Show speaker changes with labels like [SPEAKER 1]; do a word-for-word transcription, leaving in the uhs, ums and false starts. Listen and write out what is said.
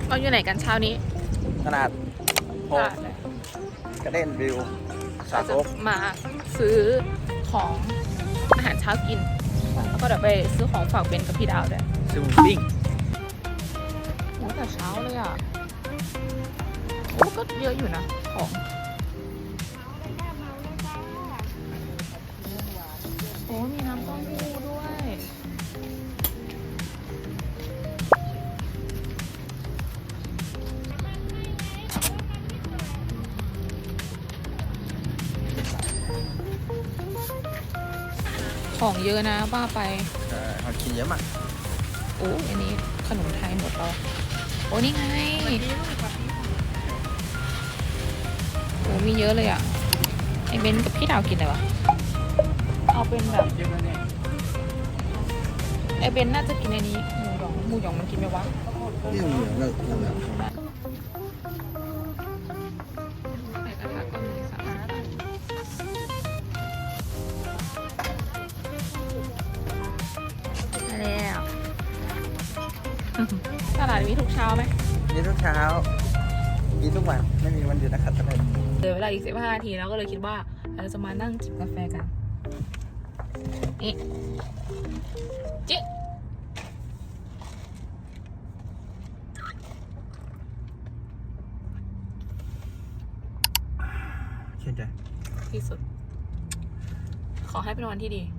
[SPEAKER 1] เราอยู่ไหนกันเช้านี้
[SPEAKER 2] ขนาดโฮมกระเด็นวิวสา
[SPEAKER 1] เรา
[SPEAKER 2] โซ
[SPEAKER 1] จะ
[SPEAKER 2] ก
[SPEAKER 1] มาซื้อของอาหารเช้ากิน แล้วก็เดี๋ยวไปซื้อของฝากเบนกับพี่ดาวด้วย
[SPEAKER 2] ซื้อหมูปิ้ง
[SPEAKER 1] โอ้แต่เช้าเลยอ่ะโอ้ก็เยอะอยู่นะของโอ้มีน้ำเต้าหู้ด้วยของเยอะนะบ้าไป
[SPEAKER 2] เออเขากินเยอะมาก
[SPEAKER 1] โอ้อันนี้ขนมไทยหมดแล้วโอ้นี่ไงโอ้มีเยอะเลยอ่ะไอเบนกับพี่ดาวกินอะไรวะเอาเป็นแบบไอเบนน่าจะกินอันนี้หมูหยองหมูหยองมันกินไหมวะ
[SPEAKER 2] นี่เหมือนแบบเหมือนแบบ
[SPEAKER 1] ใส่กระทะก็มีสะอาดมาแล้วตลาดมีทุกเช้าไหม
[SPEAKER 2] กินทุกเช้ากินทุกวันไม่มีวันหยุดนะครับท่าน
[SPEAKER 1] เหลือเวลาอีกสิบห้านาทีแล้วก็เลยคิดว่าเราจะมานั่งจิบกาแฟกันนี่จิบ
[SPEAKER 2] เช่นใจ
[SPEAKER 1] ที่สุด ขอให้เป็นวันที่ดี